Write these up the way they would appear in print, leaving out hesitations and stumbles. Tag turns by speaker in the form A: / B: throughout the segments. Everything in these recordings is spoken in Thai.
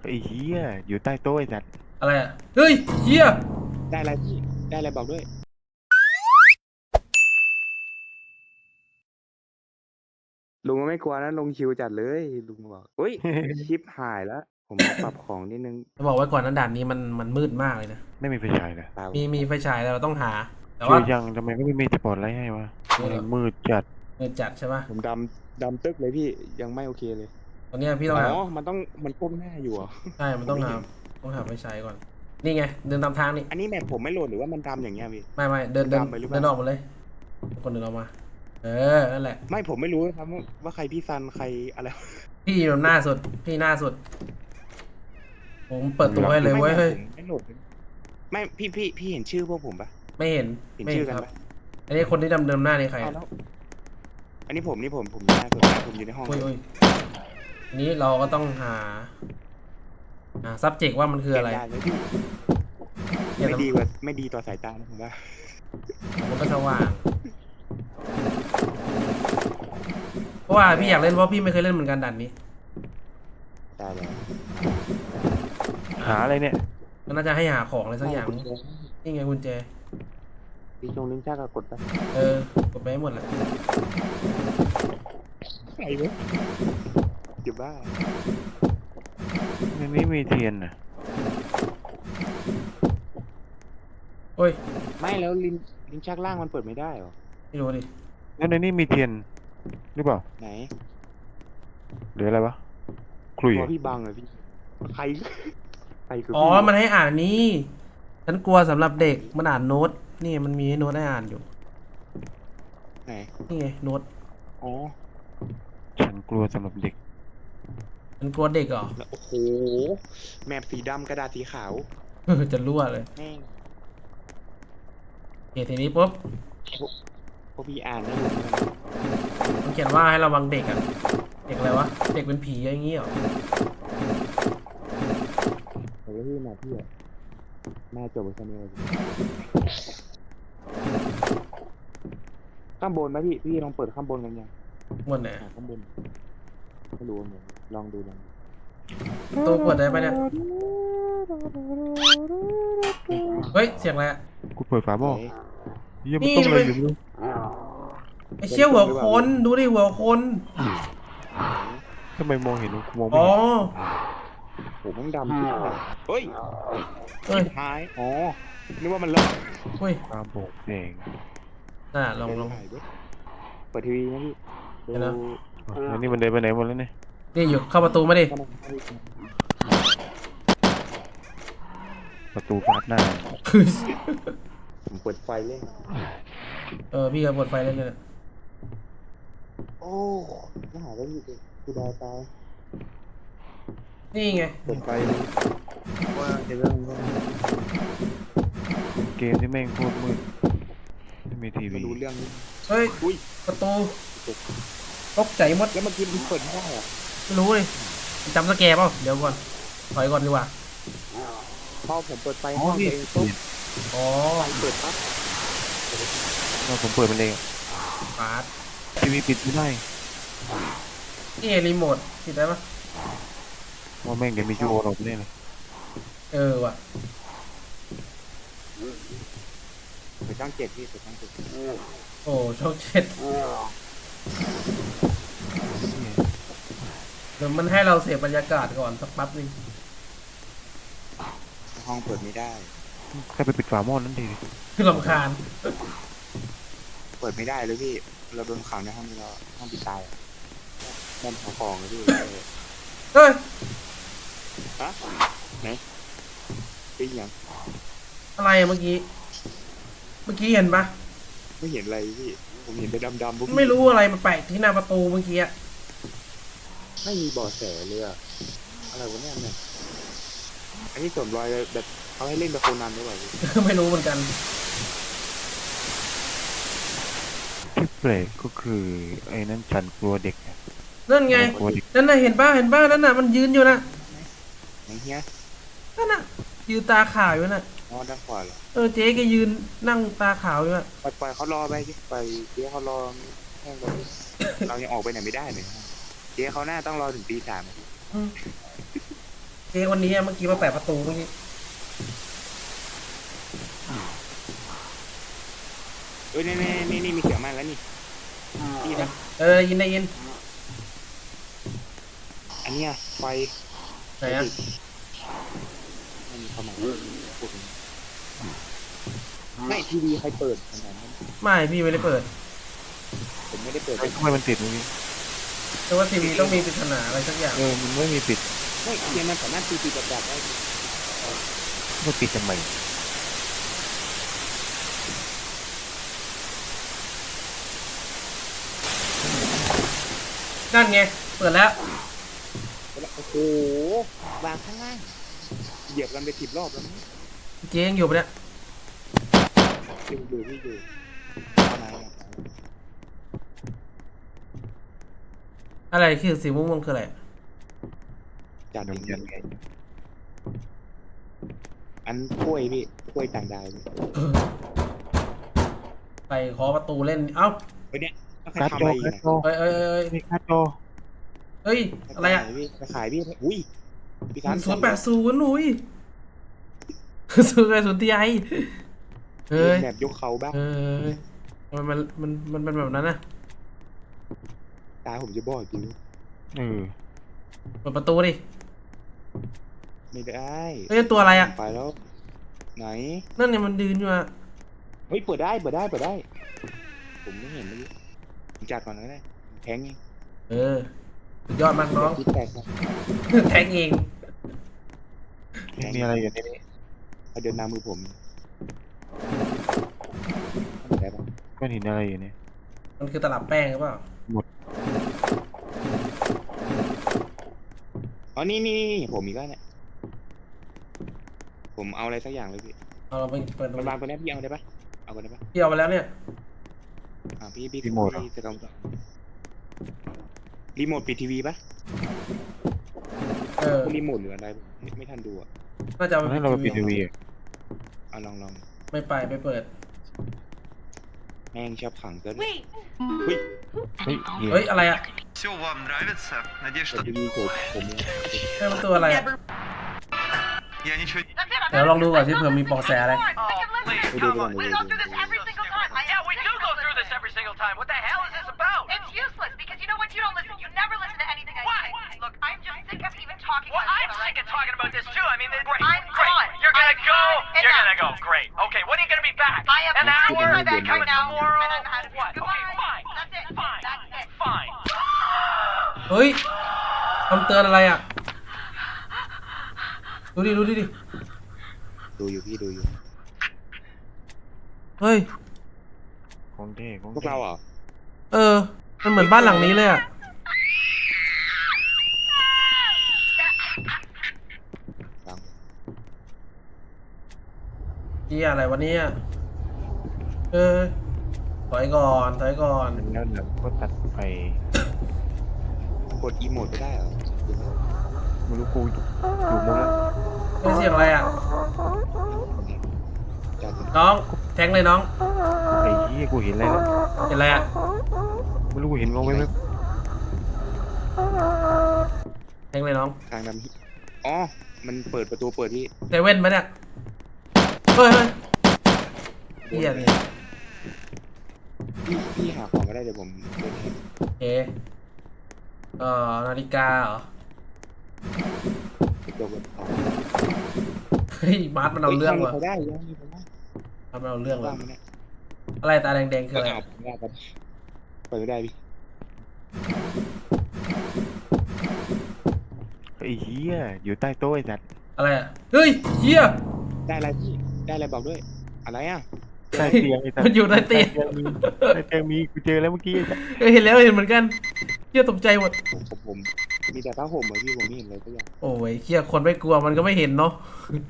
A: ไอ้เหี้ยอยู่ใต้โต๊ะไอ้สัตว์
B: อะไรอ่ะเฮ้ยเฮีย
C: ได้อะไรพี่ได้อะไรบอกด้วยลุงก็ไม่กลัวนะลงคิวจัดเลยลุงบอกเฮ้ยชิปหายแล้วผมมาปรับของนิดนึง
B: จะบอกไว้ก่อนนะด่านนี้มันมืดมากเลยนะ
A: ไม่มีไฟฉายเลย
C: เปล่า
B: มีไฟฉายแต่เราต้องหาแต่ว่า
A: ช่วยยังทำไมไม่มีสปอตไลท์ให้วะมันมืดจัด
B: มืดจัดใช่ปะ
C: ผมดำตึกเลยพี่ยังไม่โอเคเลย
B: ตอนเนี้ยพี่ต้อ
C: อ๋อ
B: งหา
C: มันก้มหน้าอยู่เหรอ
B: ใช่มัน
C: ผม
B: ต้องหา
C: ไม่เห็น
B: ต้องหาไฟฉายก่อนนี่ไงเดินตามทางนี่
C: อันนี้แมปผมไม่โหลดหรือว่ามันดำอย่างเงี้ยพี่
B: ไม่เดิน
C: มัน
B: เดิน
C: ดำไปหรือเป
B: เดินออก
C: ล่า
B: มาเลยคนเดินออกมาเออนั่นแหละ
C: ไม่ผมไม่รู้ครับว่าใครพี่ซันใครอะไร
B: พี่อยู่หน้าสุดพี่หน้าสุดผมเปิดตัวให้เลย
C: ไม่
B: เว้ยเฮ้ย
C: ผมไม่โหลดเลยไม่พี่เห็นชื่อพวกผมปะ
B: ไม่เห็น
C: เห็น
B: ไม่เห็นครับ
C: ชื่อกันปะ
B: อันนี้คนที่เดิมหน้านี่ใครอะ
C: เอาแล้วอันนี้ผมอยู่หน้าสุดนะผมอยู่ในห้อง
B: อุ้ยนี้เราก็ต้องหาsubject ว่ามันคืออะไร
C: เก็บได้เลยพี่ไม่ดีต่อสายตานะผมว่า
B: มันก็สว่างเพราะว่าพี่อยากเล่นเพราะพี่ไม่เคยเล่นเหมือนกันด่านนี้
C: ได้เลย
A: หาอะไรเนี่ย
B: มันน่าจะให้หาของอะไรสักอย่างนี่ไงกุญแจ
C: พี่ชงลิ้นชักก็กดไป
B: กดไปให้หมดแหละ
C: ใครวะเดี๋ยวบ้า
A: ในนี้มีเทียนนะ
B: โอ้ย
C: ไม่แล้วลิ้นชักล่างมันเปิดไม่ได้หรอ
B: ไม่รู้ดิ
A: แล้วในนี้มีเทียนหรือเปล่า
C: ไหน
A: หรืออะไรวะคลุย
C: ตัวพี่บังเลยพี่ใครใครคือ
B: อ๋อ
C: พี่
B: มันให้อ่านอันนี้ฉันกลัวสำหรับเด็กมันอ่านโน้ตนี่มันมีให้โน้ตให้อ่านอยู่
C: ไหน
B: นี่ไงโน้ต
C: อ๋อ
A: ฉันกลัวสำหรับเด็ก
B: ฉันกลัวเด็กเหรอ
C: แล้วโอ้โหแมปสีดำกระดาษสีขาว
B: จะรั่วเลย
C: แม่ง
B: โอเคทีนี้ปุ๊บ
C: พวกพี่อ่านไม่รู้นะ
B: มันเขียนว่าให้ระวังเด็กอ่ะเด็กอะไรวะเด็กเป็นผีอะไรอย่างงี้เหรอ
C: แต่ว่าพี่มาพี่อะน่าจบไปแค่นี้เลยข้างบนไหมพี่ลองเปิดข้างบนกันยัง
B: หมดเนี่ย
C: หาข้างบนไม่รู้เหมือนลองดู
B: ตัวเปิดได้ปะเนี่ยเฮ้ยเสียงอะไรอะ
A: กูเปิดฝาหม้อ
C: ไหน
A: เยี่ยมนต้องอะไรอยู่ไม่รู้
B: ไอ้เชี่ยหัวคนดูดิหัวคน
A: ทำไมมองเห็นกูมองไม่
B: อ๋อ
C: โหมันดำที่ไหนเฮ้ย
B: เฮ้ย
C: ท้ายอ๋อนึกว่ามันเลิก
B: เฮ้ย
A: ตาโบกแดง
B: ลอง
C: ถ่ายด้วยเปิดทีวีนะพี่ดู
B: เดี๋ยวนะ
A: แล้วนี่มันเดินไปไหนหมดแล้วเนี่ย
B: นี่อยู่เข้าประตูมาดิ
A: ประตูฟาดหน้า
C: ผมเปิดไฟเล่น
B: พี่ก็เปิดไฟเล่นเลยนะ
C: โอ้น่าหาได้อยู่ดิคือดาวตาย
B: นี่ไง
C: เปิดไฟเลยว่าจะเริ่ม
A: เกมที่แม่งโคตรมืดไม่มีที
C: มา
A: วี
C: ดูเรื่องนี้
B: เฮ้ย
C: อุ้ย
B: ประตูตกใจหมด
C: แล้วเมื่อกี้มันเปิดไม่ได้อะ
B: ไม่รู้เลยจำสแกร์เปล่าเดี๋ยวก่อนถอยก่อนดีกว่า
C: พอผมเปิดไฟห้องตัวเองปุ๊บ
B: อ๋อ
C: ไฟเปิดปั๊บ
A: เราผมเปิดมันเอง
B: ฟาด
A: ทีวีปิดไม่ได้
B: นี่ไงรีโมทติดได้ปะ
A: ว่าแม่งเดี๋ยวมีจูโอออกมาเนี่ยเลย
B: ว่ะ
C: เปิดช่องเจ็ดพี่เปิดช่องเจ็ด
B: โอ้ช่อง7เดี๋ยวมันให้เราเสพบรรยากาศก่อนสักแป๊บนึง
C: ห้องเปิดไม่ได้
A: แค่ไปปิดฝาหม้อนั่นดี
B: คือรำคาญ
C: เปิดไม่ได้เลยพี่เราโดนขังในห้องนี้เราห้องปิดตายอะด้านหาของเลยพี่
B: เฮ้ย
C: ฮะไหนเป็นยัง
B: อะไรอะเมื่อกี้เห็นปะ
C: ไม่เห็นอะไรพี่ผมเห็นแต่ดำๆพวกพี่
B: ไม่รู้อะไรมันแปลกที่หน้าประตูเมื่อกี้อะ
C: ไม่มีเบาะแสเลยอะอะไรวะเนี่ยอันนี้สวมรอยแบบเขาให้เล่นแบบโคนันหรือเปล่าพี่
B: ไม่รู้เหมือนกัน
A: ที่แปลกก็คือไอ้นั้นฉันกลัวเด็ก
B: นั่นไง
A: กลัวเด็ก
B: นั่นน่ะเห็นป่ะนั่นน่ะมันยืนอยู่นะ
C: ไหนเฮีย
B: นั่นน่ะยืนตาขาวอยู่น่ะ
C: อ๋อด้านขวาเหรอ
B: เจ๊แกยืนนั่งตาขาวอยู่น่ะ
C: ปล่อยเขารอไปสิปล่อยเจ๊เขารอแห้งไปเรายังออกไปไหนไม่ได้เลยเจ๊เขาหน้าต้องรอถึงตี 3อะพี่
B: อืมเอ๊ะวันนี้เมื่อกี้มาแปะประตูเมื่อกี้
C: เอ้ยนี่มีเสียงมาแล้วนี่นี่นะ
B: ยินได้ยิน
C: อันเนี้ยไฟ
B: ไหนอ่ะ
C: ไม่มีความหมายพูดถึงไม่ทีวีใครเปิดขนาดนั้น
B: ไม่พี่ไม่ได้เปิด
C: ผมไม่ได้เปิด
A: ทำไมมันติดเมื่อกี้
B: แต่ว่าทีวีต้องมีปริศนาอะไรสักอย่าง
A: มันไม่มีปิด
C: ไม่เทียนมันสามารถตีดับได้
A: มันปิดทำไม
B: นั่นไงเปิดแล้ว
C: โอ้โหวางข้างล่างเหยียบกันไป10 รอบแล้วมั้ง
B: เจ๊ยังอยู่ปะเนี่ย
C: อยู่ทำไมอ่ะ
B: อะไรคือสีม่วงๆคืออะไร
C: จัด
A: เดี๋ยว
C: จ
A: มัน
C: ริ
A: ยั
C: ง
A: งไง
C: อันกล้วยพี่กล้วยต่างดาว
B: ไปขอประตูเล่นเอ้า
C: เฮ้ยเนี่ยใคร
A: การ์ด
C: ทำ
A: จ
C: อะ
A: อ
C: ไรอยู่
A: การ์ด
C: เนี่ย
A: จอ
B: เอ้ย
A: มีการ์ดจอ
B: เฮ้ยอะไรอ่ะ
C: จะขายพี่อุ้ยพี่
B: 080หนุ่ย080 Ti เฮ้ย
C: แบบยกเขาบ้าง
B: เฮ้ยมันเป็นแบบนั้นนะ
C: ตาผมจะบอกจริง
A: เออ
B: เปิดประตูดิ
C: ไม่ได้
B: เฮ้ยตัวอะไรอ่ะ
C: ไปแล้วไหน
B: นั่นเนี่ยมันยืนอยู่อ่ะ
C: เฮ้ยเปิดได้ ผมไม่เห็นเมื่อกี้ผมจัดก่อนก็ได้แทงเอง
B: สุดยอดมากน้อง
C: คิดแตกนะ
B: แทงเอง
A: มีอะไรอยู่ในนี้
C: เอาเดินนำมือผมได้ปะ
A: ก้อนหินอะไรอยู่เนี่ย
B: มันคือตลับแป้งหรือเปล่า
C: อ๋อนี่ผมอีกแล้วเนี่ยผมเอาอะไรสักอย่างเลยพี่
B: เอาเราไปเปิดตร
C: มัน
B: ง
C: วางตัวนี้พี่เอาได้ปะเอากันได้ปะ
B: ที่เอาไปแล้วเนี่ย
C: พี่จะกำกับรีโมทปิดทีวีปะรีโมทหรืออะไรไม่ทันดูอ่ะ
B: น่าจะ
A: ตอนนั้นเราไปปิดทีวี
C: เอาลอง
B: ไม่เปิด
C: แม่งชอบขังเกิน
A: เฮ้ย
B: เฮ้ยอะไรอ่ะ
D: Все вам нравится? Надеюсь,
C: แต่
D: что
C: ทีวีผมเนี่ย
B: เฮ้ยมันตัวอะไรอ่ะ
D: я ничего не...
B: เดี๋ยวลองดูก่อนที่เผื่อมีเปอแสอะไร
D: Oh, please,
C: ไปดู
D: come
C: ไปก่อน
D: on.
C: เลย
E: Yeah, we do go through this every single time. What the hell is this about? It's useless because you know what? You don't listen. You never listen to anything I say. Look, I'm just sick of even talking Well, about I'm this. sick of talking about this too. I mean, great. I'm great. gone. You're gonna I'm go. gone. You're Enough. gonna go. Great. Okay. When are you gonna be back? I am An hour. my back Coming right now, tomorrow. and I'm out of here. What? Goodbye. Okay. Fine. That's it. Fine. That's it. Fine.
B: เฮ้ยคำเตือนอะไรอ่ะ ดูดิ
C: ดูอยู่พี่ดูอยู่
B: เฮ้ย
A: ของเท่ของ
C: พวก
A: เท่
C: เราอ่ะ
B: มันเหมือนบ้านหลังนี้เลยอ่ะ
C: ฟัง
B: นี่อะไรวะเนี่ยถอยก่อน
A: แล้วเดี๋ยวก็ตัดไป
C: กดอีโมดไปได้เหรอ
A: ไม่รู้กูอยู่มุมแล้ว
B: เฮ้ยเสียงอะไรอ่ะ
C: จัด
B: น้องแทงเลยน้อง
A: ไอ้เหี้ยกูเห็นอะไรแล้ว
B: เห็นอะไรอ่ะ
A: ไม่รู้กูเห็นงงไปไหม
B: แทงเลยน้อง
C: ทางดำอ๋อมันเปิดประตูเปิดที่
B: เซเว่นไหมเนี่ย เฮ้ยเฮียนี่
C: พี่หาของก็ได้เดี๋ยวผมเดินให้
B: เอนาฬิกาเหรอ
C: ไปตัวบนเขา
B: เฮ้ยมาร์ทมันเอาเรื่องว่ะ
C: เขาได้ยังมีคนได้
B: มาร์ทมันเอาเรื่อง
C: บ้า
B: ว่ะ
C: งไหมเนี่ย
B: อะไรตาแดงๆคืออะไร
C: เอาได้ครับเปิดไม่ได้พี่
A: ไอ้เหี้ยอยู่ใต้โต๊ะไอ้สัตว์
B: อะไรอ่ะ เฮ้ยเฮีย
C: ได้อะไรพี่ได้อะไรบอกด้วยอะไรอ่ะ
A: ใต้เตียงไอ้สัตว์
B: มันอยู่ใต้เตียง
A: ใต้เตียงมีกูเจอแล้วเมื่อกี้ไอ้สัตว์
B: เห็นแล้วเห็นเหมือนกันเฮียตกใจหมด
C: ผมมีแต่ผ้าห่มเหรอพี่ผมไม่เห็นเลยสักอย่าง
B: โอ้ยเฮียคนไม่กลัวมันก็ไม่เห็นเนาะ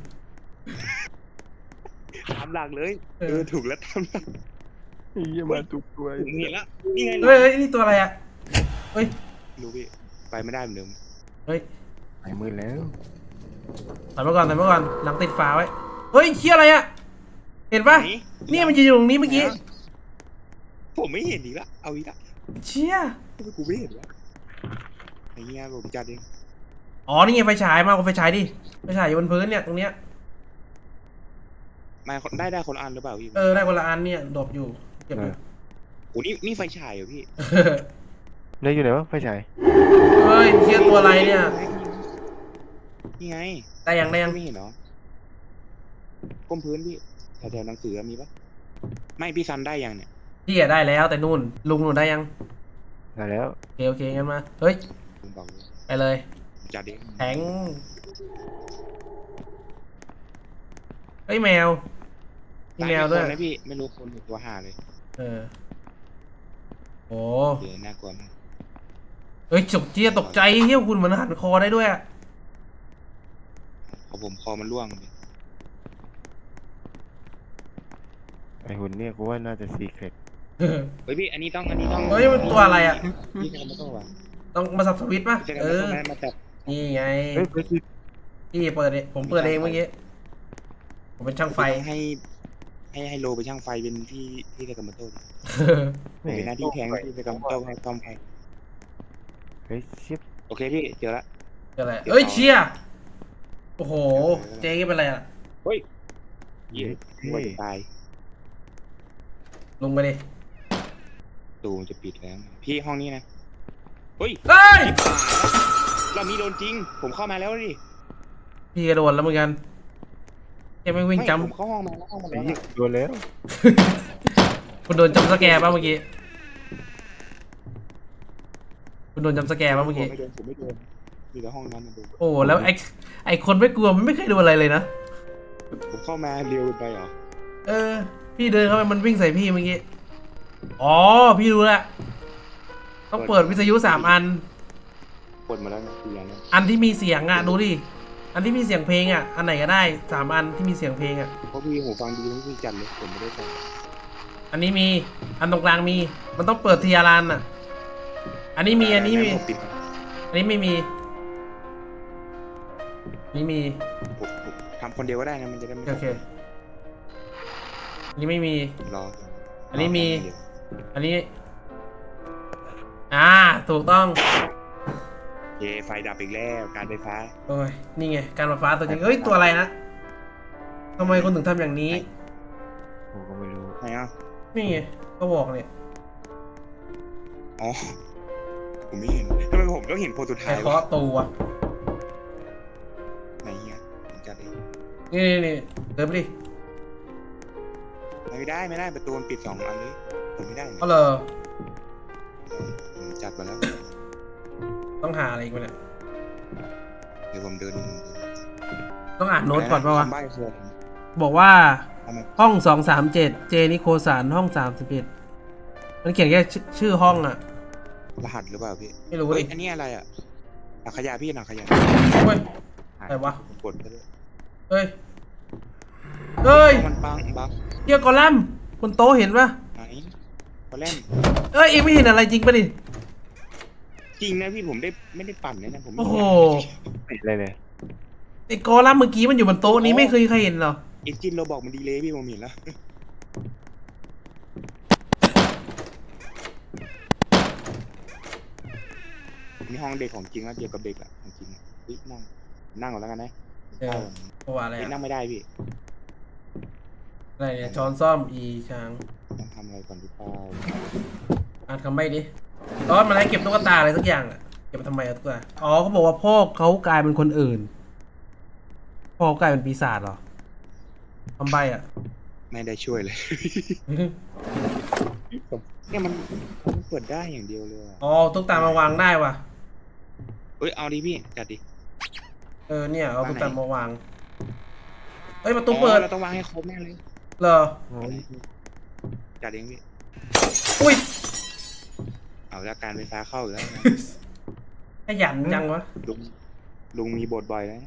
C: ตามหลักเลยถูกแล้วตามหลัก
A: ไอ้เหี้ยมาทุกตัว
C: ผมเห็นแล้วนี่ไง
B: เฮ้ยนี่ตัวอะไรอ่ะ เฮ้ย
C: รู้พี่ไปไม่ได้เหมือนเดิม
B: เฮ้ย
A: ไอ้มือแล้ว
B: ถอยมาก่อนหลังติดฝาไว้ เฮ้ยเฮียอะไรอ่ะ เห็นปะ
C: ไห
B: เนี่ยมันยืนอยู่ตรงนี้เมื่อกี้
C: ผมไม่เห็นอีกแล้วเอาอีกแล้ว
B: เชี่ย
C: ทำไมกูไม่เห็นวะไอ้เงี้ยผมจัดเอง
B: อ๋อนี่ไงไฟฉายมาเอาไฟฉายดิไฟฉายอยู่บนพื้นเนี่ยตรงเนี้ย
C: มาได้คนอันหรือเปล่าพี่
B: ได้คนละอันเนี่ยดรอปอยู่เก็บ
A: เอ
B: ดู
A: อ
C: โอ้นี่ไฟฉายเหรอพี่
A: แล้วอยู่ไหนวะไฟฉาย
B: เฮ้ยเชียตัวอะไรเนี่ย
C: นี่ไง
B: ได้ยัง
C: ไม่เห็นเหรอก้มพื้นพี่แถวๆหนังสือมีปะไม่พี่ซันได้ยังเนี่ย
B: พี่อะได้แล้วแต่นู่นลุงหนูได้ยัง
A: ได้แล้ว
B: โอเคงั้นมาเฮ้ย
C: ผมบอกเลย
B: ไปเลย
C: จัดเอง
B: แทงเฮ้ยแมวมีแมวด้วย
C: ตาคนนะพี่ไม่รู้คนหรือตัวห่าเลย
B: เออโอ้
C: เดี๋ยวน่ากลัวมาก
B: เฮ้ยจกเจี๊ยตกใจเฮี้ยคุณเหมือนหันคอได้ด้วยอะ
C: ของผมคอมันร่วงเลย
A: ไอหุ่นเนี่ยกูว่าน่าจะซีเครต
C: เฮ้ยพี่อันนี้ต้อง
B: เฮ้ยมันตัวอะไรอะ
C: พี่ทำไม่ต้องวะ
B: ต้องมาสับสวิตช์ป่ะ
C: จะ
B: เอ
C: ทำไม่
B: อ
C: ต้องมาจับ
B: นี่ไง
A: เฮ้ยเฮ้ย
B: พี่เปิดเองผมเปิดเองเมื่อกี้ผมเป็นช่างไฟ
C: ให้โลไปช่างไฟเป็นที่เซกามาโต้ดิ
A: ไม่
C: เป็นหน้าที่แทงที่เซกามาโต้ให้ซ่อมไฟ
A: เฮ้ยชิป
C: โอเคพี่เจอละ
B: อะไรเอ้ยเชียโอ้โหเจ๊เป็นอะไรอะ
C: เฮ้ยเย้หัวจะตาย
B: ลงไปดิ
C: ตูมันจะปิดแล้วพี่ห้องนี้นะเฮ้ย
B: เฮ้ย
C: เรามีโดนจริง ผมเข้ามาแล้วดิ
B: พี่กระโดดแล้วเหมือนกันแกไม่วิ่ง
C: ไม่
B: จ
C: ผมเข้าห้องมาแล้วห้องมา
A: ไอ้
C: แล้ว
A: เหี้ยโดนแล้ว
B: ำคุณโดนจำสแกร์ป่ะเมื่อกี้คุณโดนจำสแกร์ป่ะเมื่อกี้
C: ผมไม่โดนมีแต่ห้องนั้นนะดู
B: โอ้แล้วไอคนไม่กลัวมันไม่เคยดูอะไรเลยนะ
C: ผมเข้ามาเร็วไปเหรอ
B: เออ พี่เดินเข้าไปมันวิ่งใส่พี่เมื่อกี้อ๋อพี่รู้ละต้องเปิดวิทยุ3 อัน
C: กดมาแล้วนะคืออย่างนั้น
B: อันที่มีเสียงอ่ะดูดิอันที่มีเสียงเพลงอ่ะอันไหนก็ได้3 อันที่มีเสียงเพลงอ่ะ
C: เพราะพี่หูฟังดีไม่พี่จัดเลยผมไม่ได้จัด
B: อันนี้มีอันตรงกลางมีมันต้องเปิดทีละอันอ่ะ อันนี้มีอันนี้มี
C: ผมปิด
B: อันนี้ไม่มีนี่มี
C: ผมทำคนเดียวก็ได้นะมันจะได้ไม่
B: โอเคอันนี้ไม่มี
C: รอ
B: อันนี้มี อันนี้ถูกต้อง
C: เย่ไฟดับอีกแล้วการไฟฟ้า
B: โอ้ยนี่ไงการไฟฟ้าตัวจริงเอ้ยตัวอะไรนะทำไมคนถึงทำอย่างนี้
A: กูก็ไม่รู้
C: ไหนอ่ะ
B: นี่ไงก็บอกเนี่ย
C: อ๋อผมไม่เห็นทำไมผมต้องเห็นโพสต์สุด
B: ไอ้
C: ท้าย
B: เคาะ
C: วะ
B: ตูอ่ะ
C: ไหนเฮียผมจัดเอง
B: นี่เดินไปดิ
C: ไม่ได้ประตูมันปิด2 อันเลยผมไม่ได้
B: เอาเลย
C: ผมจัดมาแล้ว
B: ต้องหาอะไรอีกวะเนี่ย
C: เดี๋ยวผมเดิน
B: ต้องอ่านโน้ตก่อนป่าวะ
C: คำใบ้คืออะไร
B: บอกว่า
C: ทำไม
B: ห้อง237เจนิโคสานห้อง31มันเขียนแค่ชื่อห้องอ่ะ
C: รหัสหรือเปล่าพี่
B: ไม่รู้
C: เฮ้
B: ดิ
C: ยอันนี้อะไรอ่ะหนักขยะพี่หนักขยะ
B: เฮ้ย อะไรวะ
C: ผมกดไปเลย
B: เฮ้ยเฮ้ย
C: มันบัง
B: เฮียกอลัมน์บนโต๊ะเห็นปะ
C: ไหนพอเล่น
B: เอ้ยเองไม่เห็นอะไรจริงปะดิ
C: จริงนะพี่ผมไม่ได้ปั่นเลยนะผมไม่
B: โอ้โห
A: ปิดเลยเลย
B: ไอ้กอลัมน์เมื่อกี้มันอยู่บนโต๊ะนี้ไม่เคยใครเห็นหรอ
C: เอ็นจินเราบอกมันดีเลยพี่ผมเห็นแล้วนี่ห้องเด็กของจริงแล้วเกี่ยวกับเด็กอะของจริงอะเฮ้ยนั่งก่อนแล้วกันนะ
B: เออ เพราะว่าอะไร
C: เฮ้ย
B: อะ
C: นั่งไม่ได้พี่
B: อะไรเนี่ยช้อนซ่อมอีช้าง
C: ต้องทำอะไรก่อนหรือเปล่า
B: อ่านคำใบ้ดิตอนมาให้เก็บตุ๊กตาอะไรสักอย่างอะเก็บไปทำไมอะตุ๊กตาอ๋อเขาบอกว่าพ่อเขากลายเป็นคนอื่น พ่อเขากลายเป็นปีศาจเหรอคำใบ้อะ
C: ไม่ได้ช่วยเลยเนี่ยมันเปิดได้อย่างเดียวเลยอะ
B: อ๋อตุ๊กตามาวางได้ว่ะ
C: เอ้ยเอาดิพี่จัดดิ
B: เนี่ยเอา
C: วางไหน
B: ตุ๊กตามาวางเฮ้ยประตูเปิด
C: เราต้องวางให้ครบแน่เลย
B: เหรอ
C: จัดเองพี่
B: อุ้ย
C: เอาแล้วการไฟฟ้าเข้าอยู่แล้วนะ
B: ขยันจังวะ
C: ลุงมีบทบ่อยแล้ว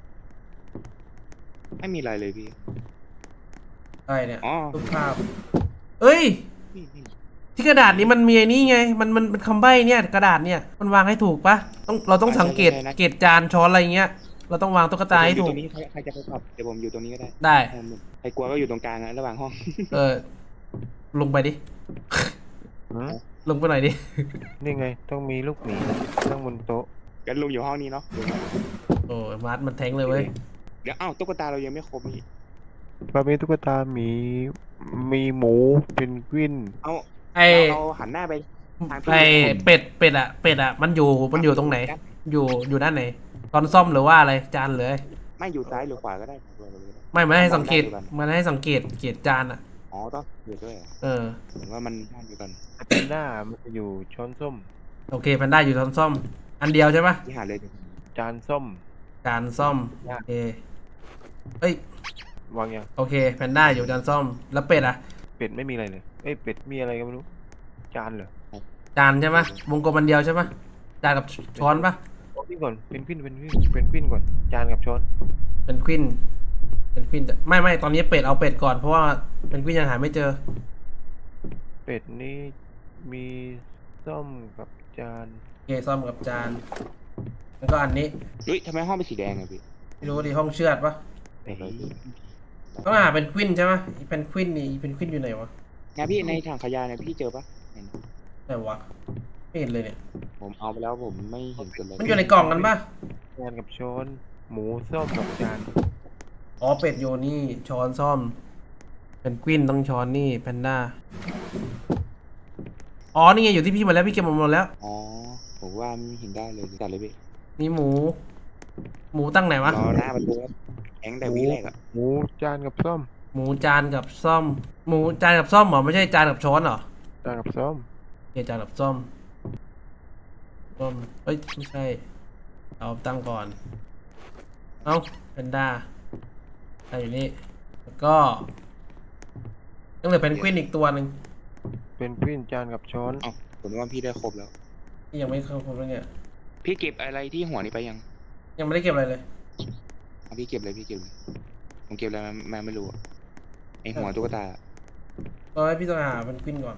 C: ไม่มีอะไรเลยพี่
B: อะไรเนี่ย
C: อ๋อ
B: รูปภาพเอ้ย
C: นี่
B: ที่กระดาษนี้มันมีไอ้นี่ไง มันคำใบ้เนี่ย กระดาษเนี่ย มันวางให้ถูกปะเราต้องสังเกตเกตจานช้อนอะไรเงี้ย เราต้องวางตุ๊กตาให้ถู
C: ต
B: ก
C: รงนี้ใครจะไปขับเดี๋ยวผมอยู่ตรงนี้ก็ได้
B: ได้
C: ใครกลัวก็อยู่ตรงกลางนะระหว่างห้อง
B: ลงไปดิ
A: หืม
B: ลงไปหน่อยดิ
A: นี่ไงต้องมีลูกหมีตั้งบนโต๊ะ
C: กันลุงอยู่ห้องนี้เนาะ
B: โอ้ยมาร์ทมันแทงเลยเว้ย
C: เดี๋ยวอ้าวตุ๊กตาเรายังไม่ครบนี่
A: ปลาเมตุ๊กตาหมีหมูเพนกวิน
C: เอา
B: ไอ
C: เราหันหน้าไปทาง
B: ไอเป็ดอะมันอยู่ตรงไหน อยู่ด้านไหนตอนซ่อมหรือว่าอะไรจานเลย
C: ไม่อยู่ซ้ายหรือขวาก็ได้
B: ไม่ให้สังเกตเกตจานอะ
C: อ๋อต้องอยู่ด้วยเหรอ
B: เออ
C: เหมือนว่ามันด้านเดียวกัน
A: แพนด้ามันจะอยู่ช้อนส้ม
B: โอเคแพนด้าอยู่ตอนซ่อม อันเดียวใช่ปะ
C: ที่หาเลย
A: จานส้ม
B: จานซ่อมโอเคเอ้ยว
A: างยัง
B: โอเคแพนด้าอยู่จานซ่อมแล้วเป็ดอะ
A: เป็ดไม่มีอะไรเลยเอ้ยเป็ดมีอะไรก็ไม่รู้จานเหรอ
B: จานใช่ปะวงกลมอันเดียวใช่ปะจานกับช้อนปะ
A: เอาพี่ก่อนเป็นกวินก่อนจานกับช้อน
B: เป็นควินจะไม่ตอนนี้เป็ดเอาเป็ดก่อนเพราะว่าเป็นควินยังหาไม่เจอ
A: เป็ดนี่มีส้มกับจาน
B: โอเคซ่อมกับจานแล้วก็อันนี้
C: เฮ้ยทำไมห้องเป็นสีแดงอะพี่
B: ไม่รู้ดิห้องเชือดปะ
A: เอ้ย
B: ต้องหาเป็นควินใช่ไหมเป็นควินนี่เป็นควินอยู่ไหนวะ
C: เนี่ยพี่ในถังขยะเนี่ยพี่เจอปะเห็น
B: ไหนวะไม่เห็นเลยเนี่ย
C: ผมเอาไปแล้วผมไม่เห็นเกิดเลย
B: มันอยู่ในกล่องกันปะ
A: จานกับช้อนหมูส้มกับจาน
B: อ๋อเป็ดโยนี่ช้อนซ่อม เป็นควินต้องช้อนนี่แพนด้าอ๋อนี่ไงอยู่ที่พี่หมดแล้วพี่เก็บหมดแล้ว
C: อ๋อผมว่าไม่เห็นได้เลยจัดเลยพี่
B: นี่หมูตั้งไหนวะ
C: รอหน้าประตูแองแต่วิแรกอะ
A: หมูจานกับส้ม
B: หมูจานกับซ่อมหมูจานกับซ่อมเหรอไม่ใช่จานกับช้อนเหรอ
A: จานกับส้ม
B: โอเคจานกับซ่อมเอ้ยไม่ใช่เอาตั้งก่อนเอาแพนด้าตั้งอยู่นี่แล้วก็ยังเหลือเพนกวินอีกตัวหนึ่ง
A: เป็นกวินจานกับช้อน
C: เอ้าผมว่าพี่ได้ครบแล้ว
B: ที่ยังไม่เข้าครบเลยเนี่ย
C: พี่เก็บอะไรที่หัวนี้ไปยัง
B: ยังไม่ได้เก็บอะไรเลย
C: เอาพี่เก็บเลยพี่เก็บเลยผมเก็บอะไรมาไม่รู้อะไอหัวตุ๊กตา
B: ตอนแรกพี่ต้องหาเพนกวินก่อน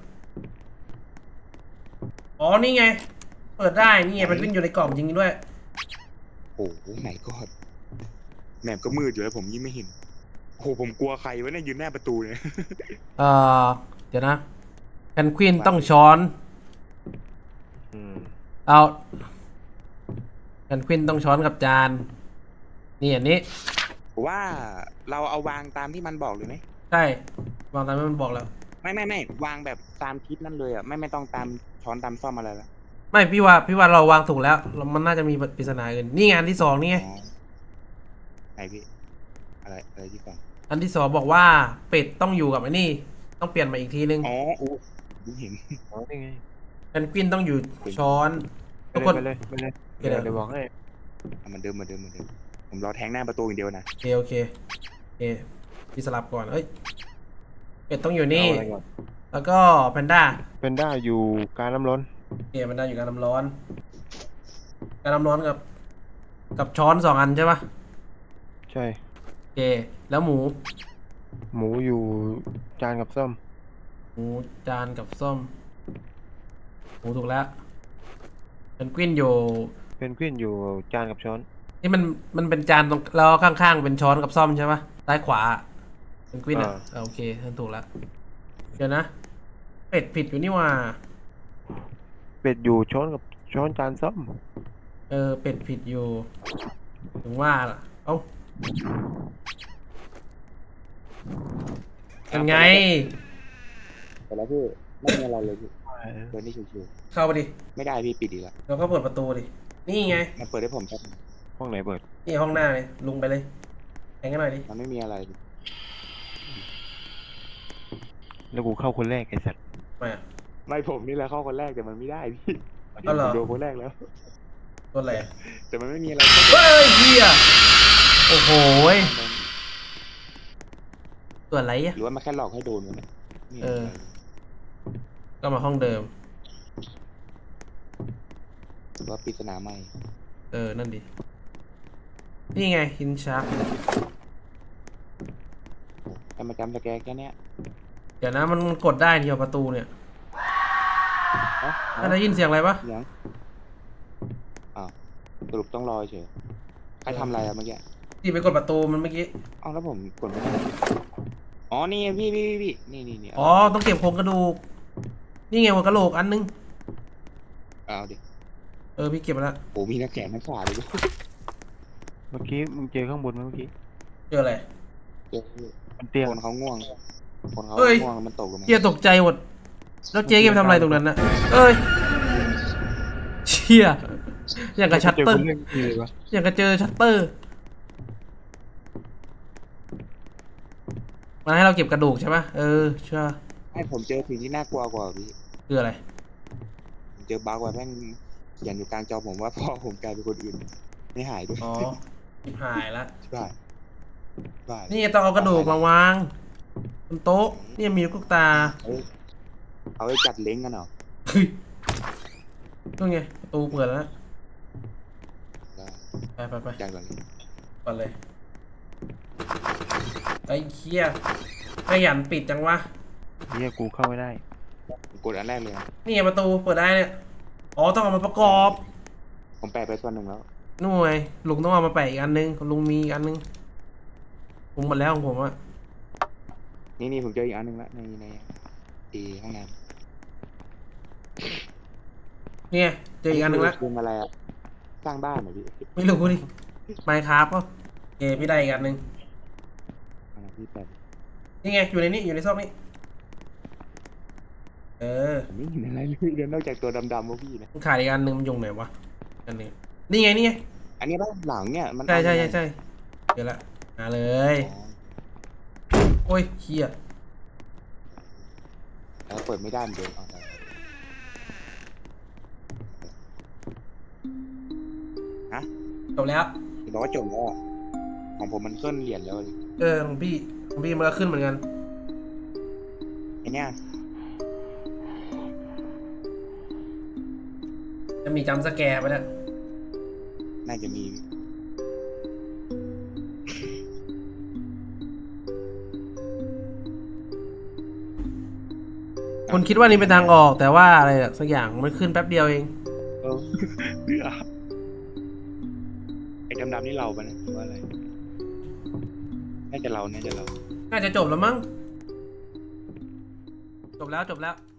B: อ๋อนี่ไง เปิดได้นี่ไงเพนกวินอยู่ในกล่องจริงๆด้วย
C: โอ้โหไหนก็แมปก็มืดอยู่แล้วผมยิ่งไม่เห็นโอ้โหผมกลัวใครวะเนี่ยยืนหน้าประตูเนี่ย
B: เอ่อเดี๋ยวนะเพนกวินต้องช้อน
A: อืม
B: เอาเพนกวินต้องช้อนกับจานนี่อันนี้
C: ผมว่าเราเอาวางตามที่มันบอกเลยไหม
B: ใช่วางตามที่มันบอกแล้ว
C: ไม่วางแบบตามทิศนั่นเลยอ่ะไม่ต้องตามช้อนตามซ่อมอะไรละ
B: ไม่พี่ว่าเราวางถูกแล้วมันน่าจะมีปริศนาอื่นนี่ไงอันที่สองนี่ไง
C: อ๋อไหนพี่อะไรที่ก่อน
B: อันที่สองบอกว่าเป็ดต้องอยู่กับไอ้นี่ ต้องเปลี่ยนมาอีกทีนึง
C: อ๋ออู้ดูเห็น
A: อ๋อนี่ไง
B: เพนกวินต้องอยู่ช้อน
A: ไป
B: ทุกคน
A: เลยเดี๋ยวบอกให้
C: เอามันเดิมผมรอแทงหน้าประตูอย่างเดียวนะ
B: โอเคพี่สลับก่อนเอ้ยเป็ดต้องอยู่นี่
A: เอาอะไรก่อน
B: แล้วก็แพนด้า
A: เป็นด้าอยู่การน้ำร้อน
B: แพนด้าอยู่การน้ำร้อน การน้ำร้อนกับช้อนสองอันใช่ปะ
A: ใช่
B: โอเคแล้วหมู
A: หมูอยู่จานกับส้ม
B: หมูจานกับส้มหมูถูกแล้วเพนกวินอยู่
A: เป็นกวินอยู่จานกับช้อน
B: นี่มันเป็นจานตรงแล้วข้างๆเป็นช้อนกับซ่อมใช่ปะซ้ายขวาเป็นกวินอ่ะโอเคถูกแล้วเดี๋ยวนะเป็ดผิดอยู่นี่ว่า
A: เป็ดอยู่ช้อนกับช้อนจานส้ม
B: เป็ดผิดอยู่ถึงว่าล่ะเอ้ายังไง
C: แต่แล้วพี่ไม่มีอะไรเลยพี่เปิดนี่ชิว
B: เข้าไปดิ
C: ๆไม่ได้พี่ปิดอีกแล้ว
B: เราก็เปิดประตูดินี่ไง
C: มันเปิดให้ผมครับ
A: ห้องไหนเปิด
B: นี่ห้องหน้าเลยลุงไปเลยแข่งกันหน่อยดิ
C: มันไม่มีอะไร
A: แล้วกูเข้าคนแรกไอ้สัตว์
B: มา
C: ไม่ผมนี่แหละเข้าคนแรกแต่มันไม่ได้พี่
B: อ๋อเหรอ
C: ผมโดนคนแรกแล้ว
B: ตัวอะไร
C: แต่มันไม่มีอะไร
B: เฮ้ยเฮียโอ้โหยตัวอะไรอ่ะ
C: หรือว่ามันแค่หลอกให้โดนวะเนี่ยไม่ห็น
B: เออ
C: ะไร
B: ก็มาห้องเดิม
C: หรือว่าปริศนาใหม่
B: นั่นดินี่ไงหินชัก
C: แต่มาจำสแกนแค่เนี้ย
B: เดี๋ยวนะมันกดได้ที่ประตูเนี่ย
C: เอ้า
B: ถ้าได้ยินเสียงอะไรปะ
C: ยังอ้าวสรุปต้องรอเฉยใครทำอะไรอะเมื่อกี้
B: ที่ไปกดประตูมันเมื่อกี้
C: อ้าวแล้วผมกดไม่ได้อ๋อนี่พี่นี่
B: อ๋อต้องเก็บโครงกระดูกนี่ไงหัวกะโหลกอันนึง
C: เอาดิ
B: พี่เก็บมาแล้ว
C: โอ้มีนักแข่งนักขาเลย
A: เมื่อกี้มึงเจอข้างบนไหมเมื่อกี้
B: เจออะไร
C: เจอ
A: มันเตี้ย
C: คนเขาง่วงคนเขา
B: เอ้ย
C: ง่วงแล้วมันตกลงมา
B: เฮียตกใจหมด แล้วเจ๊แกไปทำอะไรตรงนั้นน่ะเอ้ยเชี่ยอย่างกับชัตเตอร์
A: เจคนเล่นนี่เลยวะ
B: อย่างกับเจอชัตเตอร์มันให้เราเก็บกระดูกใช่ปะใช่
C: ให้ผมเจอสิ่งที่น่ากลัวกว่าพี่
B: คืออะไร
C: ผมเจอบั๊กว่าแม่งเขียนอยู่กลางจอผมว่าพ่อผมกลายเป็นคนอื่นไม่หายด้วย
B: อ๋อชิบหายละ
C: บ้าบ้า
B: นี่ต้องเอากระดูกมาวางบนโต๊ะนี่มีลูกตา
C: เอาไว้จัดเล้งกันเหรอ
B: เฮ้ยนู่นไงประตูเปิดแล้วนะ
C: ได้
B: ไป
C: จัดก่อนเลย
B: ก่อนเลยไอ้เคี้ยขยันปิดจังวะ
A: เฮียกูเข้าไม่ได้
C: ผมกดอันแรกเลยนะ
B: นี่ไงประตูเปิดได้เนี่ยอ๋อต้องเอามาประกอบ
C: ผมแปลไปส่วนหนึ่งแล้ว
B: หน่วยลุงต้องเอามาแปะอีกอันนึงลุงมีอีกอันนึงผมหมดแล้วของผมอะ
C: นี่ผมเจออีกอันหนึงแล้วในห้องน้
B: นี่ไงเจอ
C: ำ
B: อีกอันนึงแล้ว
C: คืออะไรอะสร้างบ้านเหรอพี่
B: ไม่รู้ดิไมค์ครับก็โอเคพี่ได้อีกอันนึง
C: พี่แปล
B: นี่ไงอยู่ในนี้อยู่ในซอกนี้
C: ผมไม่เห็นอะไรเลยเดี๋ยวนอกจากตัวดำๆว่าพี่นะ
B: มันขาดอีกอันนึงมันอยู่ไหนวะอันนี้นี่ไงนี่ไง
C: อันนี้บ้านหลังเนี่ยมัน
B: ใช่
C: ทำยังไง
B: เดี๋ยวละมาเลย
C: อ๋อ
B: โอ้ยเคี้ย
C: แล้วเปิดไม่ได้เหมือนเดิมเอาไปฮะ
B: จบแล้ว
C: บอกว่าจบแล้วอะของผมมันเคลื่อนเหรียญแล้วเลย
B: ของพี่มันก็ขึ้นเหมือนกัน
C: ไอเนี้ย
B: จะมีจัมป์สแกร์ไปแล้ว
C: น่าจะมี
B: คุณคิดว่านี่เป็นทางออกแต่ว่าอะไรอะสักอย่างมันขึ้นแป๊บเดียวเอง
C: เออเบื่อไอ้ดำๆนี่เราปะเนี่ยหรือว่าอะไรน่าจะเรา
B: น่าจะจบแล้วมั้งจบแล้ว